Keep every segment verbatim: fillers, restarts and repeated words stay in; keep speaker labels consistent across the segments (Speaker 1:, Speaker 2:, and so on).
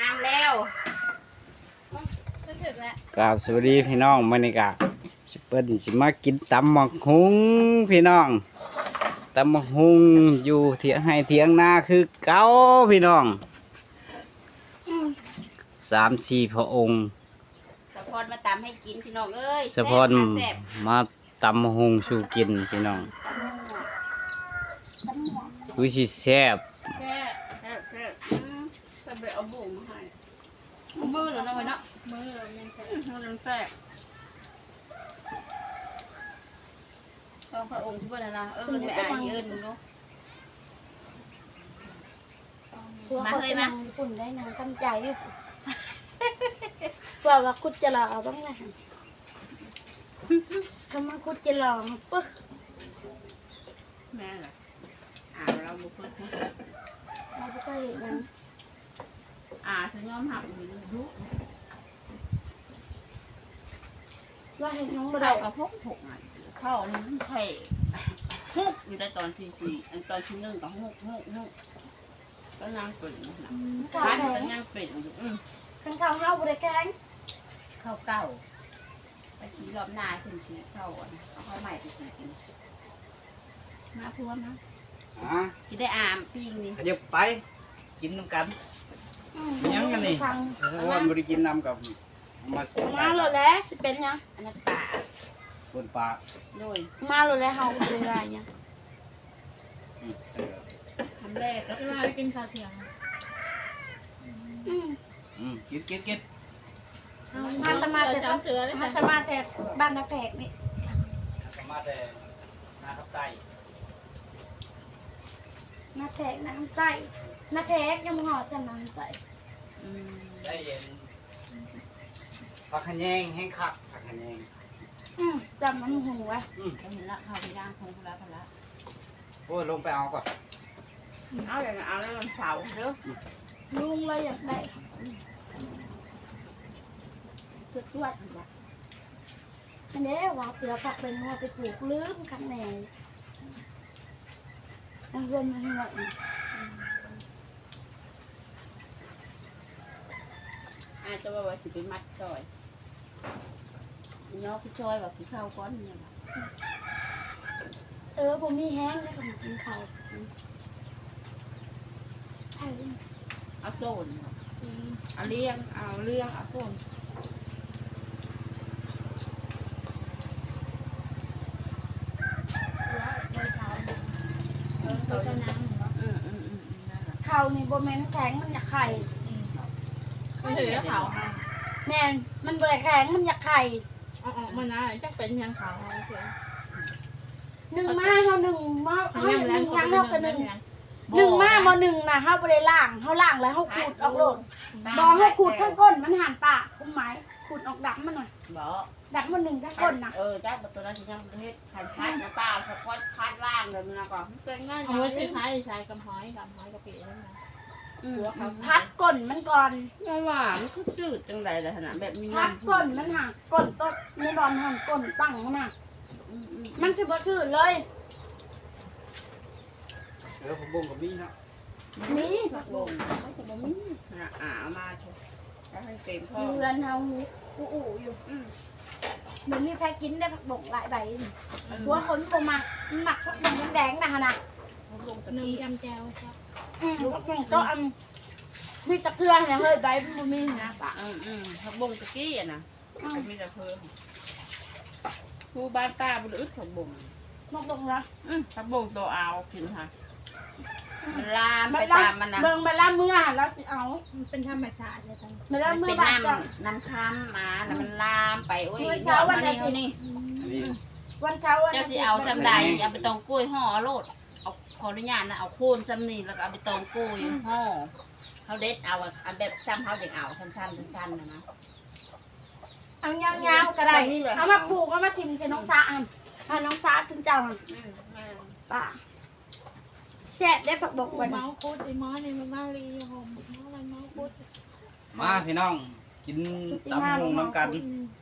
Speaker 1: งามแล้ว
Speaker 2: กราบสวัสดีพี่น้องมื้อนี้ก็สิเปิ้นสิมากินตำบักหุ่งพี่น้องตำบักหุ่งอยู่เถียงให้เถียงนาคือเก่าพี่น้องสามสี่พระองค์
Speaker 1: สะพอนมาตำให้กินพี่น้องเอ้ย
Speaker 2: สะพอนมาตำบักหุ่งสู่กินพี่น้องวิสิแซ่บ
Speaker 1: แค่แค่แค่อืมใส่ใบเอาบุ๋มมาให้มือเหรอเนาะไว้เนาะมือเรายังแซ่มือเราแซ่ต้องพระองค์ที่บ้านนะเออไปอ่านเอิญเนาะมาเคยมา
Speaker 3: คุณได้นางตั้งใจอยู่ว่าว่าคุดจะรอบ้างไงทำมาคุดจะรอปึ๊บ
Speaker 1: แม่เหรออ่าเราบุกเพิ่ม
Speaker 3: เราไม่เคยเห็นนั้น
Speaker 1: อ่าถึงยอมหักอยู่ยุ
Speaker 3: ว่าเห็นน้องบ่
Speaker 1: เข้า
Speaker 3: ได้
Speaker 1: กับพกหกอ่ะเข้านี่มันไข่ฮุกอยู่ในตอนที่สี่อันตอนที่หนึ่งกับฮุกฮุกฮุกก็นั่งเป็นนะ
Speaker 3: ข้าว
Speaker 1: พัน
Speaker 3: แข็
Speaker 1: ก็
Speaker 3: ง
Speaker 1: นั่งเป็นอยู่อืม
Speaker 3: ข้างข้าวเฮาบ่ได้แข็ง
Speaker 1: เข้าเก่าไปชี้รอบหน้าขึ้นชี้เข้าอ่ะเอาเข้าใหม่ไปชี้กินมาพวงนะ
Speaker 2: อ่ะ
Speaker 1: กินได้อามปิ้งนี่
Speaker 2: ขยับไปกินน้ำกันยังกันนี่
Speaker 3: ฟัง
Speaker 2: เพราะว่าบ่ได้กินน้ำกับมา
Speaker 3: มาแล้วแหละสิเป็นยัง
Speaker 1: อันนั้นป่า
Speaker 2: บนปลา
Speaker 1: โดย
Speaker 3: มาแล้วแหละเฮาบ่ได้ได้ยัง
Speaker 2: อืมเออ
Speaker 1: ทำแรกก็
Speaker 4: ที่มากินข้าวเที่ยง
Speaker 3: อืม
Speaker 2: อืมกินกินกิน
Speaker 3: มาตะมาแต่
Speaker 4: จำเสือได้
Speaker 3: มา
Speaker 4: จ้ะ
Speaker 3: ตะมาแต่บ้านนักแขกนี่
Speaker 2: มาแต่นาทับไต
Speaker 3: นักแขกน้ำใส่นักแขกยังห่อจะน้ำใส่
Speaker 1: อืม
Speaker 2: ได้เย็นผักขะแยงแห้งคักผักขะแยง
Speaker 3: อืมจำมันหูไว้
Speaker 2: อืม
Speaker 1: ก็เห็นละเข้าไปย่างคงพละพละ
Speaker 2: โอ้ยลงไปเอาก่อน
Speaker 1: เอาอย่างเอาแล้วมันเสาเด้อ
Speaker 3: ลุงเลยอยากได้
Speaker 1: สุดยอดเลย
Speaker 3: อันนี้ว่าเสือผักเป็นหัวไปปลูกลืมข้างในอันรวมมันหน่อย
Speaker 1: อาจจะว่าว่าสิไปมัดซอยน้องพี่ชอยว่าพี่เข้าก้อนเนี่ย
Speaker 3: เออผมมีแห้งแล้วก็มากินข้าวไอ้
Speaker 1: เอาโซนเอาเลี้ยงเอาเลี้ยงเอาโซน
Speaker 4: เออเขาจะน้ำเหรอ
Speaker 1: อืมอืมอืมนั่นแหละ
Speaker 3: ข้าวนี่โบแมนแข็งมันอยากไข่
Speaker 4: ไม่ถือแล้วเขา
Speaker 3: แม่นมันบริแข็งมันอยากไข่
Speaker 4: อ๋อมันนะจังเป็นยังเขาเฉย
Speaker 3: หนึ่งมาเฮาหนึ่งมาเฮาห
Speaker 4: ยังแร
Speaker 3: นึ่
Speaker 4: ง
Speaker 3: ง
Speaker 4: เขา
Speaker 3: ยัง
Speaker 4: เป็น
Speaker 3: เฮากันห
Speaker 4: ห
Speaker 3: นึ่
Speaker 4: นึ่
Speaker 3: ง
Speaker 4: ง
Speaker 3: หนึ่งมาบ่หนึ่งนะเฮาบ่ได้ล่างเฮาล่างแล้วเฮาขูดออกโลดบ่เฮาขูดทั้งก้นมันหันปากคุ้มไหมขูดออกดักมันหน่อย
Speaker 1: บอก
Speaker 3: ดักมันหนึ่งทั้งก้นนะ
Speaker 1: เออจ้าตัวนั้นที่ยังประเทศพันพัดนะป้าสะก้อนพัดล่างเลยนะก่อนเป็นง่าย
Speaker 4: เอาไว้ใช้ใช้ใช้กำหอยกำหอยกะปินั่นนะ
Speaker 1: หัวเขา
Speaker 3: พัดก้นมันก่อน
Speaker 1: ไม่ว่ามันคือจืดจังไรเลยขนาดแบบมี
Speaker 3: พัดก้นมันหักก้นต้นในบอลหันก้นตั้งมันน่ะมันคือบ่ชื่อเลย
Speaker 2: เออผมบ่งกับนี่เนาะ
Speaker 3: นี่
Speaker 1: ผักบงไม่ใช่บะมี่อ่าอ่ามาเถอะแล้วให้เต็มพ่อ
Speaker 3: เรือนเฮาอูอูอยู่
Speaker 1: อืม
Speaker 3: เหมือนมีใครกินได้ผักบงหลายใบนี่หัวคนบ่มักมันหมักผักบงแดงๆนะฮะนะ
Speaker 1: ผักบงตะ
Speaker 4: หนึ่ง
Speaker 1: กี้
Speaker 4: ยำแจวครับ
Speaker 3: อืมผักบงโตอันมีตะเกียงเนี่ยเฮ้ยใบมันบ่มีนะปะ
Speaker 1: อืมอืมผักบงตะกี้อ่ะนะ
Speaker 3: อืม
Speaker 1: มันมีแต่เพิ่มผู้บ้านป้าบุรุษผักบง
Speaker 3: ผักบงนะ
Speaker 1: อืมผักบงตัวเอากินค่ะมันลาม
Speaker 3: มั
Speaker 1: ไป
Speaker 3: นละ
Speaker 1: ตามมันนะ
Speaker 3: เบิ่งมาละเมื่อแล้วสิเอา
Speaker 4: มันเป็นธรรมชาติเลยตอน
Speaker 3: มาละ
Speaker 1: มัน
Speaker 3: เมื่อ
Speaker 1: เป็น
Speaker 3: บาดก่อน
Speaker 1: น้ำน้ำค้ำมาแล้วมันลามไปโอ้ย
Speaker 3: เมื่
Speaker 1: ย
Speaker 3: อ
Speaker 1: อ
Speaker 3: เช้า
Speaker 1: ด
Speaker 3: วั
Speaker 1: มาน
Speaker 3: อา
Speaker 1: นี่
Speaker 3: ทิตย์
Speaker 1: นี่
Speaker 2: อันนี้
Speaker 3: วันเช้าวัน
Speaker 1: เจ้า
Speaker 3: อาทิ
Speaker 1: สิ
Speaker 3: ตย์
Speaker 1: เอาซ้ำใดเอาไปตองกล้วยห่อโลดเอาขออนุญาตนะเอาโคนซ้ำนี่แล้วก็เอาไปตองกล้วยห่อเขาเด็ดเอาอันแบบซ้ำเขาเด็กเอาสั้นๆสั้นๆนะนะ
Speaker 3: เอายาวๆก็ได้
Speaker 1: นี่เลย
Speaker 3: เอามาปลูกเอามาทิ่มใส่น้องสาอันถ้าน้องสาถึงเจ้าอัน
Speaker 1: อืมแม่น
Speaker 3: ป่าแซ่บได้ผักบงวัน
Speaker 4: เมาคุดไอ้หมอนี่มันมาลีหอมเมาอะไรเมาคุด
Speaker 2: มาพี่น้องกินตำบักหุ่งน้ำกัน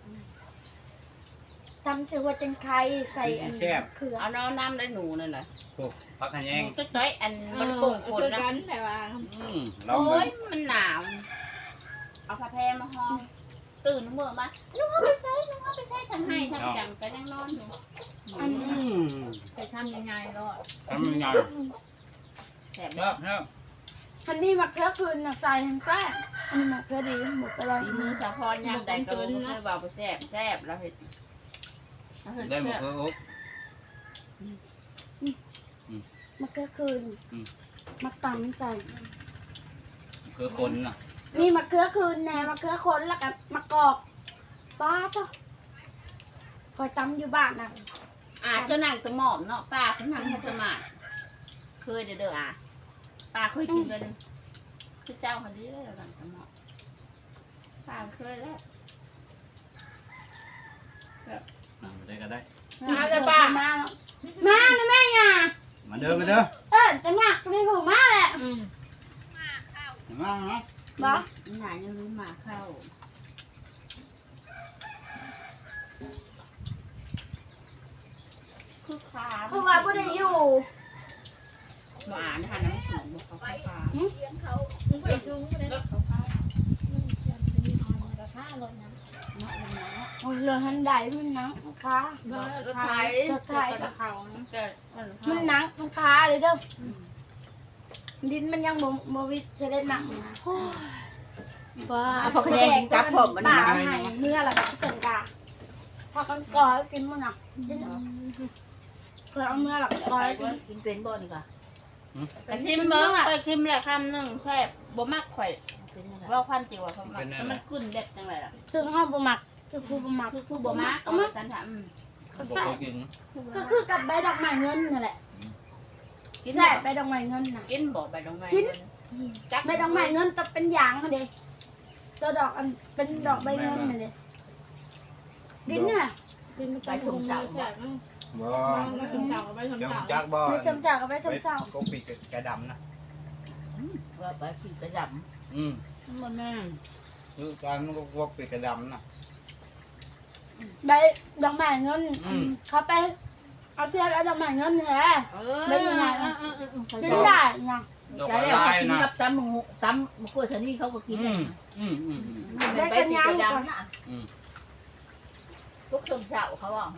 Speaker 3: ทำชื่อว่าจังไข่ใส่อัน
Speaker 2: แซ่บ
Speaker 3: เขือ
Speaker 1: เอาน้ำน้ำได้หนูนั่นแหละ
Speaker 2: โอ้ผักขะแยง
Speaker 1: ต้อยๆอัน
Speaker 4: เอ
Speaker 1: มัน
Speaker 4: อ
Speaker 1: โป่งคน
Speaker 4: คือ
Speaker 1: นะ
Speaker 4: กันแต่ว่า
Speaker 2: อืมลอง
Speaker 1: โอ้
Speaker 2: เลย
Speaker 1: ยมันหนาวมาห้องตื่นเมื่อมาลุงเอาไปใช้ลุงเอาไปใช้ทางให้ทางจังก็ยังนอนอยู่
Speaker 3: อัน
Speaker 2: อืม
Speaker 1: จะทำยังไงรอด
Speaker 2: ทำยังไง
Speaker 1: แสบ
Speaker 2: ครับครับ
Speaker 3: อันนี้มะเขือคืนน่ะใส่ทั้งแซ่บอันนี้มะเขือดีหมดไปเลย
Speaker 1: มือสะพรยามใดก็รู้ให้เบาไปแสบแสบแล้วเห็ด
Speaker 2: ได้หมดเพื่ออุ๊บ
Speaker 3: มะเขือคืนมะตำใส่
Speaker 2: คือคนน่ะ
Speaker 3: มีมะเขือคืนแหน่มะเขือคนแล้วก็มะกอกป้าจ้ะคอยตำอยู่บ้านน่ะ
Speaker 1: อาจจะนั่งตะหมอมเนาะป้าเขานั่งตะหมาดเคยเด้อเด้ออ่ะป้าเคยกินเลยคือเจ้าคนนี้เลยนั่งตะหมอมป้าเคยแล้ว
Speaker 2: ได้ก็ได้
Speaker 3: มาเลยป้ามาแล้วมาเลยแม่ย่า
Speaker 2: มาเด้อมาเด้อ
Speaker 3: เออจะงักจะไม่ผูกมาแหละ
Speaker 2: มาเนาะ
Speaker 3: บอ
Speaker 1: หนายังรู้หมาเข้าคือขา
Speaker 3: เพราะว่าบ่ได้อยู่
Speaker 1: หมาเนี่ยน้ำสูงบอกเขาขาขา
Speaker 4: มึงไปชูงเลย
Speaker 1: เขาขา
Speaker 4: มีออนกระท่ารถนะ
Speaker 1: เนาะเนาะ
Speaker 3: โอ้ยเรือหันใดมันหนังมันค้า
Speaker 4: เบอร์
Speaker 1: รถ
Speaker 4: ไท
Speaker 1: ไถ
Speaker 4: ย
Speaker 3: รถไถ
Speaker 4: กระเขานะ
Speaker 1: เกิด
Speaker 3: มันหนังมันค้าเลยเด้อดินมันยังบ่บ่วิจะได้หนักว้า
Speaker 1: พอแดงกับผมมัน
Speaker 3: ป่า
Speaker 1: หนา
Speaker 3: ให้เนื้อแล้วก็เกินกาพอกันก่อยกินมันน่ะเพื่อเอาเนื้อหลักก่อยกิน
Speaker 1: กินเป็นบ่นี่ก่ะกระชิมเบิ้งไปชิมแหละคำหนึ่งแซ่บบ่มากข่อยว่าความจริงว่าเขามักแต่มันกุ้นเด็ดจังไรล่ะ
Speaker 3: ถึงห้องบ่มักคือผู้บ่มัก
Speaker 1: คือคือบ่มากเอาสันถาม
Speaker 2: บอกเขากิน
Speaker 3: ก็คือกับใบดอกไม้เงินนั่นแหละ
Speaker 1: กิน
Speaker 3: ใช่ใบดอกไม้เงินน่ะ
Speaker 1: กินบ่ไปตรงไหน
Speaker 3: ใบดอกไม้เงินต้องเป็นยางค่ะเด้ตัวดอกอันเป็นดอกใบเงินน่ะเด้ดินน่ะ
Speaker 4: กินไปชมสาวแฉก
Speaker 2: บ่
Speaker 4: ไปชมสาวไปชม
Speaker 2: เดี๋ยว
Speaker 4: สาว
Speaker 2: จักบ่
Speaker 3: ไม่จำจากกับใบ
Speaker 2: ไป
Speaker 3: จำเจ้า
Speaker 2: ก็ปีกกระดำนะ
Speaker 1: ว่าไปผีกระด
Speaker 2: อืม
Speaker 1: ำมันแม่
Speaker 2: คือการมันก็วกปีกกระดำนะ
Speaker 3: ใบดอกไม้เงินเขาไปเอาเทียบเอาดอกไม้เงินแหละ
Speaker 1: เออ
Speaker 3: เป็นยังไงเป็นได้ยัง
Speaker 2: ดอก
Speaker 1: ใช่
Speaker 2: ไม้
Speaker 1: แล้ว
Speaker 2: ลาย
Speaker 1: กิน
Speaker 2: นะ
Speaker 1: กับตำหมูตำมะกรูดชนิดเขาก็กิน
Speaker 2: อืมอืมอืม
Speaker 1: มันไปผีกระดำนะ
Speaker 2: อืม
Speaker 1: ทุกชมเช้าเขาบอก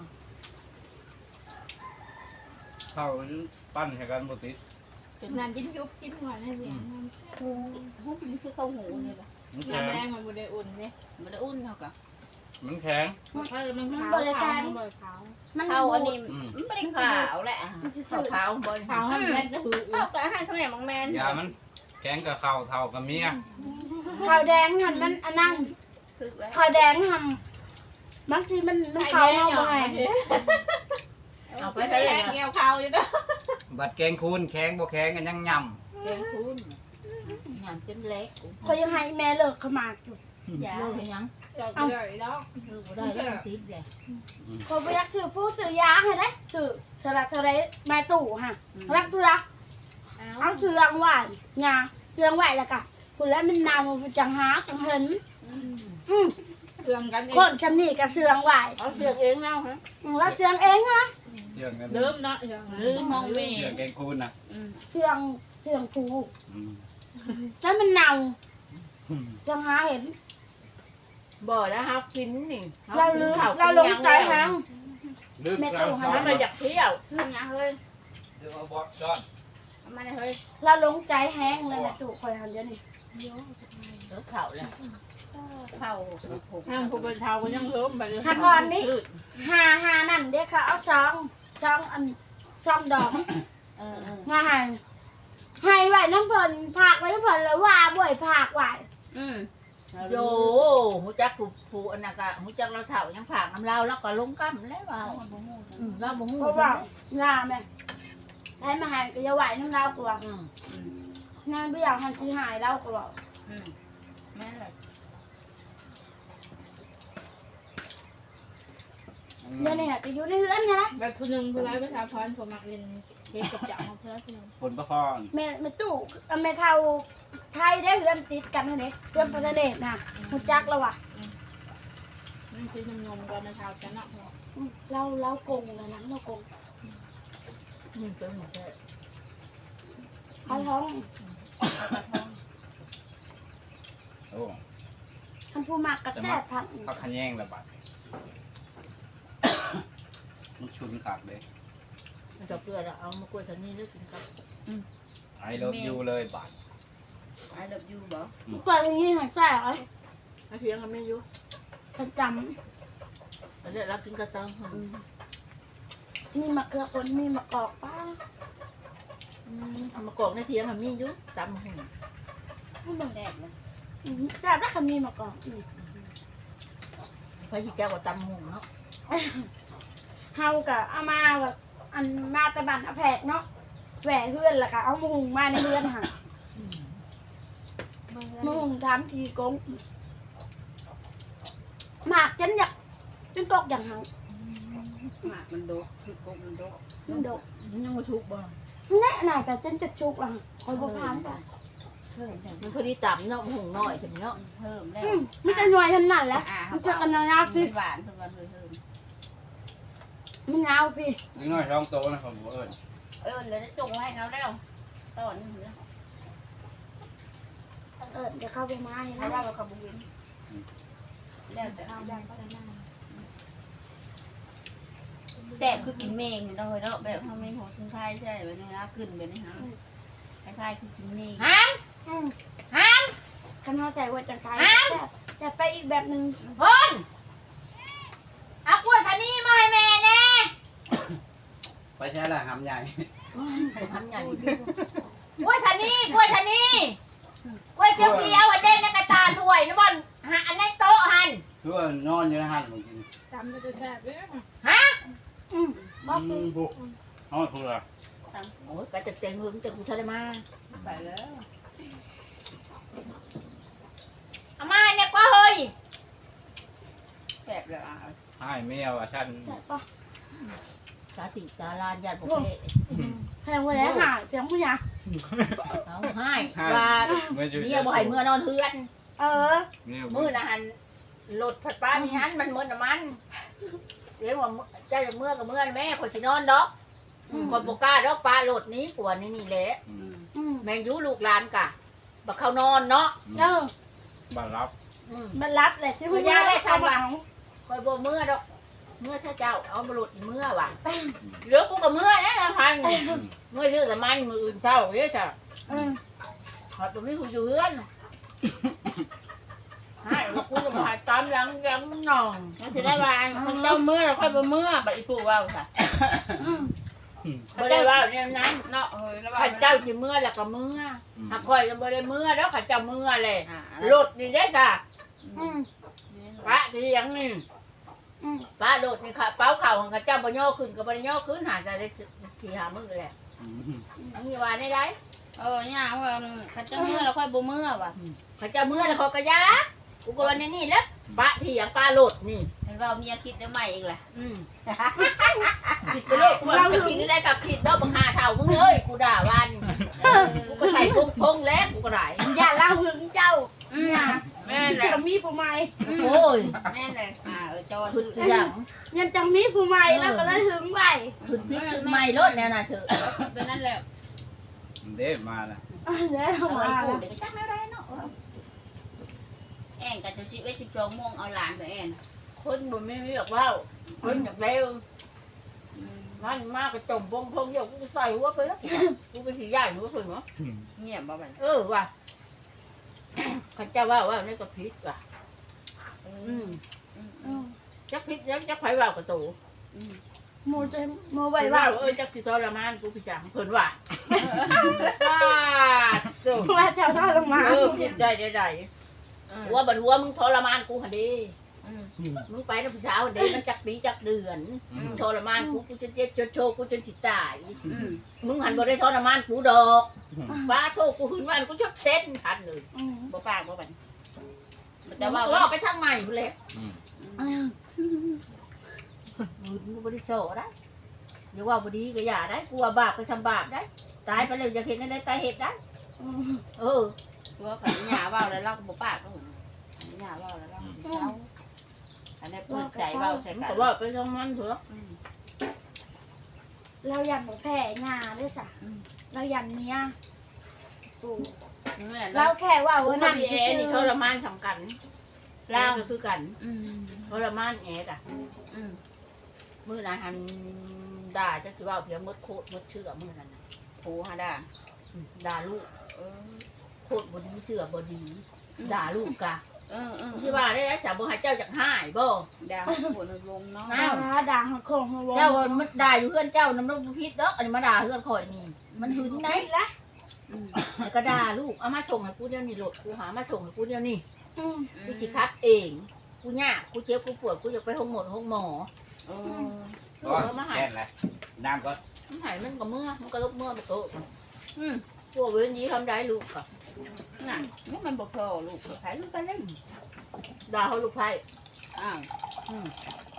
Speaker 2: เข้าปั้นให้กันบ่ติด
Speaker 4: นานกินยุบกินหวานให้เสียง
Speaker 1: หูหูมันคือข้าวหูนี่แหละ
Speaker 2: มันแข็
Speaker 4: น้ำ
Speaker 2: ง
Speaker 4: แดงมันบุได้อุ่นเนี่ย
Speaker 1: มันได้อุ่นเขากะ
Speaker 2: มันแข็ง
Speaker 4: ถ้าจะมันขาวขาวมันบ่ขาว
Speaker 3: มัน
Speaker 1: ข้าวอันนี้
Speaker 2: อืม
Speaker 1: มันไม่ได้ขาวแหละขาวขาวบน
Speaker 4: ขาวให้แม่จะคือ
Speaker 1: ข้าวกะให้ทำไมบางแมน
Speaker 2: ยามันแข็งกับข้าวเท่ากับเมีย
Speaker 3: ขาวแดงหันมันอันนั้น
Speaker 1: คือแล้ว
Speaker 3: ขาวแดงทำบางทีมันมันขาวเอาไป
Speaker 1: เอาไปไปแล้วเกี่ยวข้าวอยู่เด้อ
Speaker 2: บัดแกงคูนแข็งบ่แข็งกันยังย่
Speaker 1: แกงทุนงานจนเล็ก
Speaker 3: เขายังให้แม่เลิกขมาอยู่
Speaker 1: อย่าเลยยัง
Speaker 4: เอาเลยแล้ว
Speaker 1: คือบ่ได้แล้วติดเลย
Speaker 2: ำ
Speaker 3: เขาไปยักซื้อผู้ซื้อยาให้ได้ซื้อสลักสลักมาตู่ฮะรักเสือเอาเสืองไหวงาเสืองไหวแล้วกันคุณแล้วมันนาวมันจังหาจังเห็นอืม
Speaker 4: เครื่องกันเอ
Speaker 3: คน
Speaker 4: ง
Speaker 3: จำนี่กับเสืองไหว
Speaker 1: เอาเสือกเองแล้วฮะ
Speaker 3: แล้วเสืองเองฮะ
Speaker 2: เชื่องกัน
Speaker 4: เริ่มเนาะเ
Speaker 1: ลืมมองเม
Speaker 2: เชื่องแกงคูนน่ะ
Speaker 3: เสืองเสืองผู
Speaker 2: อืม
Speaker 3: แล้วมันเน่า
Speaker 2: อืม
Speaker 3: จังหาเห็น
Speaker 1: บ่แล้วครับกินนี่
Speaker 3: เราลืมเราลงใจหาง
Speaker 2: ลืม
Speaker 3: แม่
Speaker 2: แล้ว
Speaker 3: ตู่ให้
Speaker 1: มันมาอยากเที่ยวขึ้นยังเฮ้ย
Speaker 2: เดี๋ยวเอาบอสจอน
Speaker 1: มาเฮ้ย
Speaker 3: เราลงใจแห้งเลยแม่ตู่คอยทำเดี๋ยวนี้
Speaker 1: เสือเข่าเลยเข่าผูก
Speaker 4: ห้ามผู้เป็นเทาก็ยังเริ่มไปเลย
Speaker 3: ถ้าก่อนนี้หาหานั่นเด็กเขาเอาซองซองอันซองดอก
Speaker 1: เออเออ
Speaker 3: มาให้ให้ไว้น้ำเพิ่นผากไว้น้ำเพิ่นเลยว่าบ่อยผากไว้
Speaker 1: อืมโยหูจักผูผูอันนั้นก็หูจักเราเถ่ายังผากน้ำเราแล้วก็ลงกั้มแล้วเราอืมเราบ่ฮู้
Speaker 3: เพราะว่างาแม่ให้มาให้ก็อย่าไหวน้ำเรากว่า
Speaker 1: อืม
Speaker 3: นางบ่อยากให้สิหายเราก็บอก
Speaker 1: อืมแม่นเลย
Speaker 3: เดี๋ยวนี้ก็อยู่ในเรือนนะ
Speaker 4: แบบผู้หนึ่งผู้ร้ายประชาพรผมมักเรียนเก็บกับจับมาเพื่อผู้หนึ่ง
Speaker 2: ผลประคอง
Speaker 3: แม่แม่ตู้เอาแม่เฒ่าไทยได้เรือนติดกันเท่านี้เรือนประเทศน่ะฮู้จักแล้วว่ะ
Speaker 4: นั่นคือนมนมก่อนนะชาวจันทร์
Speaker 3: อืมเราเราโกงแล้วนะเราโกง
Speaker 1: อืมเป็นหมดเลย
Speaker 3: เอาท้อง
Speaker 2: โอ้
Speaker 3: คันมันผู้มากกระแทกพัง
Speaker 2: พักขะแยงละบาดมันชุนขาดเลย
Speaker 5: มันจะเกลือเอามากล้วยฉันนี่เลือกกินครับ
Speaker 2: ไอเลิฟยูเลยบาด
Speaker 1: ไอ้เลิฟยูบ่
Speaker 3: เกิดอย่างนี้หายแซ่บ
Speaker 5: มาเพียงกันไม่อยู่
Speaker 3: ประจ
Speaker 5: แล้วเดี๋ยวเรากินกระตัง
Speaker 3: ำมีมะเขือคนมีมะกอกป้าม
Speaker 5: ากอกในเทียงมีอยู่จำหุ่น
Speaker 3: ไม่บอก
Speaker 1: แรกเลย
Speaker 3: แซ่บแล้วคำมีมะกอกอีก
Speaker 5: พระชิเจ้าก็จำหุ่นเนาะ
Speaker 3: เฮากะเอามาแบบอันมาตะบันเอาแผกเนาะแหวเพื่อนและกะเอามาหุงมาในเรือนค่ะมาหุงทำทีกงหมากจนอยากจนกอกอย่างเฮา
Speaker 1: หมากมันโดกคือกบมันโดก
Speaker 3: มันดก
Speaker 5: ยังมาชุบบ่
Speaker 3: แน่หน่อยแต่จนจะชุกละคอยบอกทานกัน
Speaker 1: เพิ่มแต่
Speaker 5: มันพอดีต่ำเนาะหุ่นน้อยถึงเนาะ
Speaker 1: เพิ่มแล้ว
Speaker 3: อืมไม่จะหน่วยทำนั่นแหละมันจะกันยาวพี่
Speaker 1: หวานเพิ่มกันเพิ่ม
Speaker 3: มันยาวพี่
Speaker 2: นิดหน่อยท้องโตนะครับผมเอิญ
Speaker 1: เออเลยจะจงไว้เขาแล้วตอนนี้เหรอ
Speaker 3: เออเดี๋ยวเข้าไปมาให้
Speaker 1: เขา
Speaker 3: นะ
Speaker 1: ว่าเราขบุญแล้วแต่
Speaker 3: เข้าได้ก็ได้นะ
Speaker 1: แซ่บคือกินเมงเราเนาะแบบเขาไม่หัวชิ้นไทยใช่แบบนี้นะขึ้นแบบนี้ฮะคล้ายๆคือกินเมง
Speaker 5: ห้าม
Speaker 3: อืม
Speaker 5: ห้าม
Speaker 3: ขนาดใจว่าจะไกลจะไปอีกแบบหนึ่ง
Speaker 5: พ่นเอากล้วยฉันนี่มาให้แม่แน่
Speaker 2: ไปใช้ละหำใหญ่
Speaker 5: ทำใหญ่กล้วยฉันนี่กล้วยฉันนี่กล้วยเขียวเขียวอันเด่นในกระตาถ้วยนะบอลฮะอันนั้นโต๊ะหัน
Speaker 2: คือว่านอนอยู่ในหันเมื่อกี้
Speaker 4: จำจะแซ่บเลย
Speaker 5: ฮะ
Speaker 3: อืมบอก
Speaker 2: อืมบุกนอนพูดละ
Speaker 5: โอ้ยกระจะเต็งหึงจะกูทะเลมา
Speaker 1: ใส่แล้ว
Speaker 5: เอามาให้เนี่ยกว่าเฮ้ย
Speaker 1: แซ่บเลยอ่ะ
Speaker 2: ให้แมวอ่ะฉัน
Speaker 3: ใช่ปะ
Speaker 5: สาธิตาลานญาติผมเ
Speaker 3: แพงไปแล้วหาเสียงผู้ใหญ่
Speaker 5: เอาให้
Speaker 2: ให้
Speaker 5: ว่า
Speaker 2: เมื่อจุด
Speaker 5: เมียบ่ให้เมื่อนอนเฮือน
Speaker 3: เออ
Speaker 5: มื้อนะหันรถผัดป้ามีหันมันหมดน้ำมันเดี๋ยวว่าเจ้าจะเมื่อกับเมื่อแม่คนสินอนดอกคนบ่กล้าดอกปลาโลดนี้ปวดนี่นี่แหละ
Speaker 3: อืม
Speaker 5: แมงยูลูกหลานกะบักเขานอนเนาะ
Speaker 3: เออ
Speaker 2: บ้านรับ
Speaker 5: อืม
Speaker 3: มันรับแหละที่ผู้ใหญ่ได้สว่าง
Speaker 5: คอยบ่เมื่อดอกเมื่อถ้าเจ้าเอามาโลดเมื่อว่ะเหลือกูกับเมื่อนะพันเมื่อชื่อแต่มันมืออื่นเช้าเด้อจ้ะ
Speaker 3: อืม
Speaker 5: หอดตรงนี้กูอยู่เฮือนให้แล้วกูจะมาตามหลังหลังมันนอง
Speaker 1: มันจะได้ว่าคนเจ้าเมื่อเราค่อยบ่เมื่อบัดอีปู่ว่าค่ะ
Speaker 3: อืม
Speaker 5: บ่ได้ว่าเนี่ยนั้น
Speaker 1: เนาะเฮ้ยแล้ว
Speaker 5: ข้าเจ้าสิเมื่อแล้วก็เมื่อหากคอยจะบ่ได้เมื่อแล้วข้าเจ้าเมื่อเลย
Speaker 1: อ่าร
Speaker 5: ถนี่ได้จ้ะ
Speaker 3: อืม
Speaker 5: พระที่ยังนี่
Speaker 3: อืม
Speaker 5: พระรถนี่ค่ะเป้าเข่าของข้าเจ้าบ่ย่อขึ้นก็บ่ได้ย่อขึ้นหาจะได้สี่ห้ามื้อแหละอันนี้ว่าได้ได้
Speaker 1: เออเนี่ยว่าเขาเจ้าเมื่อเราค่อยบ่เมื่อว่ะ
Speaker 5: ข้าเจ้าเมื่อแล้วเขาก็ยากูก็วันนี้นี่แหล้วพระที่ยังปลารถนี่
Speaker 1: เห็นว่าเมียคิดได้ใหม่อีกแหละ
Speaker 5: อืมผิดไปเลยกูว่าจะคิดได้กับผิดเนาะบังหาเท่ามึงเอ้ยกูด่าวันกูก็ใส่พงพงแล้วกูก็ได้
Speaker 3: อย่าเล่าหึงเจ้า
Speaker 1: อืมแม่นแหละ
Speaker 3: จะมีผู้ใหม่
Speaker 5: โอ้ย
Speaker 1: แม่นเลยอ่าเออจอย
Speaker 5: ขึ้นคืออย่าง
Speaker 3: ยังจะมีผู้ใหม่แล้วก็เลยหึงไว้
Speaker 5: ขึ้นพิษขึ้นไม่รถแล้วนะเชอ
Speaker 1: เป็นนั่นแหละ
Speaker 2: เด็มาละ
Speaker 3: แล้ว
Speaker 1: เอา
Speaker 3: มา
Speaker 1: ไอ้ปู่เดี๋ยวก็จักแม่ได้เนาะแอนกับจะสิบเอ็ดสิบสองโมงเอาหลานไปแอน
Speaker 5: คนบ่ไม่มีแบบว่าคนอยากเร็วมันมากกระจมพงพงเดี๋ยวกูใส่หัวไปแล้วกูไปสีใหญ่หัวเพิ่งเหรอ
Speaker 1: เงียบบ่บัด
Speaker 5: เออว่ะเขาเจ้าว่าว่านี่ก็พิษว่ะ
Speaker 1: อื
Speaker 5: อื
Speaker 1: ม
Speaker 5: ม
Speaker 1: อืม
Speaker 3: อืม
Speaker 5: จักพิษจักจักไผว่าประตู
Speaker 1: อืม
Speaker 3: โมจะโม
Speaker 5: ไป
Speaker 3: ไว้
Speaker 5: ว่า
Speaker 3: ว่า
Speaker 5: เออจักสิทรมานกูพี่จังเพิ่นว่าจ้าจุ่ม
Speaker 3: ว่าเจ้าท่าลงมา
Speaker 5: เออพิษได้ได้ได้หัวบัดหัวมึงทรมานกูหั่นดิ
Speaker 1: อืม
Speaker 5: มึงไปนะพี่สาวเด็กมันจักปีจักเดือนมึงทรมานกูกูจะเจ็บจนโชว์กูจนสิตาย
Speaker 1: อืม
Speaker 5: มึงหันบ่ได้ทรมานกูดอกฟ้าโชว์กูหืนวันกูชดเส้นทันเลย
Speaker 3: อืม
Speaker 1: บ่ปากบ่บัดมัน
Speaker 5: แต่
Speaker 1: จะ
Speaker 5: ว่า
Speaker 1: ว่า
Speaker 5: ว่า
Speaker 1: ว่า
Speaker 5: ไปทางใหม่พุ่นแหละ
Speaker 3: อืม
Speaker 5: มึงบ่ได้โซ่ได้อย่าว่าบ่ดีก็อย่าได้กูว่าบาปก็ทำบาปได้ ตายไปแล้วอยากเห็นได้ตายเห็ดได้
Speaker 3: อืม
Speaker 5: เออ
Speaker 1: ตัวขันหญ้าเว้าแล้วเราก็บ่ปากก็เหมือนขันหญ้าเว้าแล้วเราก็บ่เศร้าอันนี้เปิดใจเว้าใส่
Speaker 5: มัน
Speaker 1: กั
Speaker 5: ก็
Speaker 1: น
Speaker 5: ว่าไปทางมันเถอะ
Speaker 1: อืม
Speaker 3: เรายันหมูแผ่งาด้วยสะ
Speaker 1: อืม
Speaker 3: เรายันเนี้ยปู่
Speaker 1: แม่น
Speaker 3: เรา
Speaker 1: เรา
Speaker 3: แค่ว่า
Speaker 5: กู
Speaker 3: ว่า
Speaker 5: มา
Speaker 3: นั่น
Speaker 5: ดีเอนี่ทรมานสำคัญลาวก็คือกัน
Speaker 1: อืม
Speaker 5: ทรมานแอดอ่ะ
Speaker 1: อืม
Speaker 5: มื้อนั้นหันด่าจักสิว่าเพียงหมดโคตรหมดเชื่อมื้อนั้นน่ะ
Speaker 1: โผหาด่า
Speaker 5: อืมด่าลูก
Speaker 1: เออ
Speaker 5: โคตรบ่ดีเชื่อบ่ดี ด่าลูกกะ
Speaker 1: เออเออ
Speaker 5: สิว่าได้แล้วจะบ่ให้เจ้าจักหายบ่
Speaker 1: ด่าโผนลงเนาะ
Speaker 5: อ้าว
Speaker 3: ด่าหักโคงหัว
Speaker 5: เจ้ามันด่าอยู่เพื่อนเจ้าน้ำมันบ่ผิดดอกอันนี้มาด่าเพื่อนข่อยนี่ มันหึงได้
Speaker 3: ละ
Speaker 1: อืม
Speaker 5: แล้วก็ด่าลูกเอามาส่งให้กูเดี๋ยวนี้โหลดกูหามาส่งให้กูเดี๋ยวนี้
Speaker 3: อืม
Speaker 5: กูสิคัดเองกูยากกูเจ็บกูปวดกูอยากไปห้องหมดห้องหมอ
Speaker 1: เออ
Speaker 5: ลูกเอามาให้
Speaker 2: แค่นั้นแหละน้ำก็
Speaker 5: มันให้มันก็เมื่อมันก็ลบเมื่อบ่โตอืมพวกเว้นยีทำได้ลูกก็
Speaker 1: น่ะนี่มันบ่พอลูกไผลูกไปเล่น
Speaker 5: ด่าเขาลูกไผ่
Speaker 1: อ้าว
Speaker 5: อืม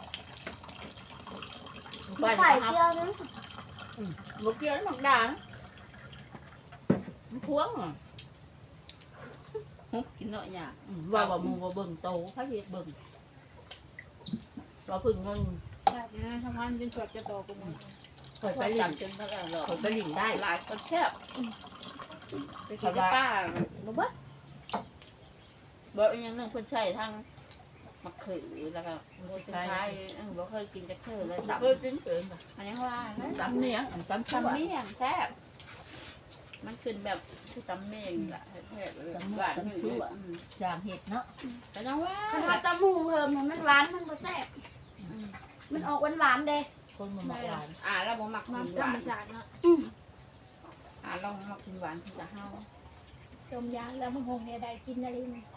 Speaker 5: ลูก
Speaker 3: ไข่
Speaker 5: ไผ่
Speaker 3: เจียวนึง
Speaker 5: บ่เกี่ยวแล้วมันด่านะมันพวงอ่ะ
Speaker 1: ฮุบกินเนาะหยา
Speaker 5: อืมว่าว่าหมูบ่เบิ่งโตไผสิเบิ่งเราพึ่งเงิน
Speaker 4: แบบนี้ทำงานเป็นสดจะโตกูมึง
Speaker 5: ข่อย
Speaker 1: ไป
Speaker 5: ไป
Speaker 1: ห
Speaker 5: ห
Speaker 1: ลั
Speaker 5: ลิ
Speaker 1: ง
Speaker 5: ง
Speaker 1: จนเท่าไหร่หรอก
Speaker 5: ข่อยไปหลิงได้
Speaker 1: หลายคนแซ่บไปกินกับป้าบ่เบิดบ่อีหยังนึงเพิ่นใช้ทางมะเขือแล้วก็บ่ใช่เออบ่เคยกินจักเทื่อเลย
Speaker 5: ตั
Speaker 1: ตั
Speaker 5: บบ เพิ่มเป็นเกิน
Speaker 1: อันนี้ว่านะ
Speaker 5: ตำเนียงตำ
Speaker 1: ตำ
Speaker 5: ตำ
Speaker 1: เมี่
Speaker 5: เมียง
Speaker 1: ยงแซ่บมันขึ้นแบบคือตำเมี่ยงแหละแซ่บๆเลยหวานอยู่อืม
Speaker 5: จางเห็ดเนาะ
Speaker 1: แต่น้องว่า
Speaker 3: คันว่าตำหูเพิ่มมันหวานมันบ่แซ่บ
Speaker 1: อืม
Speaker 3: มันออกหวานๆเด้
Speaker 5: คนมันมาหวาน
Speaker 1: อ่าเราบ่มัก
Speaker 4: มา
Speaker 1: กิน
Speaker 4: ธ
Speaker 1: ห
Speaker 4: รร
Speaker 1: วาม น
Speaker 4: ชาติเนาะ
Speaker 3: อืม
Speaker 1: อ่าเรามักกินหวานที่จะเฮา
Speaker 4: จมยางแล้วมึงคงเนี่ยได้กินอะไรมึง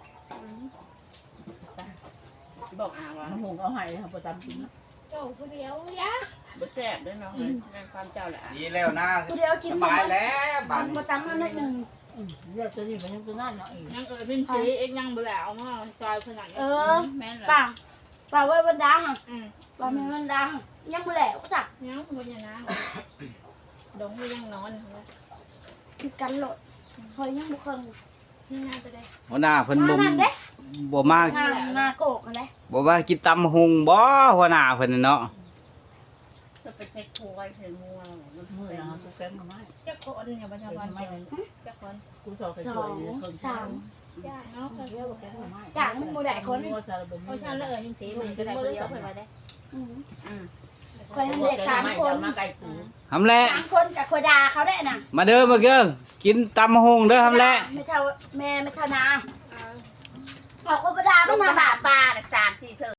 Speaker 1: บอกอ่าว่า
Speaker 5: น้ำหงเอาให้ครับประจำจริง
Speaker 4: โจ้ผู้เดียวยะ
Speaker 1: บ่แซ่บเด้อเนาะเฮ้ยในความเจ้าแหละอ่ะ
Speaker 2: ดีแล้วนะ
Speaker 3: กูเดียวกิน
Speaker 2: สบายแล้วบั
Speaker 3: มั
Speaker 2: ด
Speaker 3: นมาตำมันนิดนึง
Speaker 5: เลือกตัวนี้มันยังตัวนั่นเนาะเอง
Speaker 4: ยังเออเป็นสีเอ็กยังเบลเอามาจอยขนาด
Speaker 3: เอ
Speaker 4: นี้
Speaker 3: อ
Speaker 1: แม่นเหรอ
Speaker 3: ป่าป่าไว้บนดังอ่ะ
Speaker 4: อืม
Speaker 3: ป่าไม่บนดังยังบ่แล้วจ้ะ
Speaker 4: ยังบนยานะดงไม่ยังนอน
Speaker 3: คือกันโหลดเฮ้ยยังบ่เคย
Speaker 4: นี่น่าจะได้
Speaker 2: หัวหน้าเพิ่นบ่
Speaker 3: งานเด้
Speaker 2: บ่มาง
Speaker 3: านงานโกกอะไร
Speaker 2: บ่ว่ากินตำหุงบ่หัวหน้าเพิ่นน่ะเนาะ
Speaker 1: จะไปเช็คโคไว้เธองัวมัน
Speaker 5: มือ
Speaker 1: เป็น
Speaker 5: นะครับกูแก้มมาไม่
Speaker 4: เจ้าคนเนี่ยประชาชน
Speaker 5: ไม่
Speaker 4: เจ้าคน
Speaker 5: กูสอบไปสวยคน
Speaker 3: สาม
Speaker 4: ยากเนาะ
Speaker 5: เรียกว่าแก้มมา
Speaker 3: จากมึงบ่ได้คน
Speaker 5: มัวซาลาบะ
Speaker 4: เพราะฉะนั้นแล้วเออยังสีมันก็ได้คนเดียวไปได้
Speaker 3: อืม
Speaker 1: อืม
Speaker 3: คอยทำเด็กสามคน
Speaker 5: มาไก่ปู
Speaker 2: ทำแหละ
Speaker 3: สามคนกับคอยด่าเขาได้น่ะ
Speaker 2: มาเด้อมาเด้อกินตำหุงเด้อทำแหละ
Speaker 3: ไม่เท่าแม่ไม่เท่านาเอาคนไปด่า
Speaker 1: ล
Speaker 3: มัน
Speaker 1: ง
Speaker 3: มา
Speaker 1: มา
Speaker 3: บา
Speaker 1: บา
Speaker 3: ด
Speaker 1: ปลาน่ะสามสี่เธอ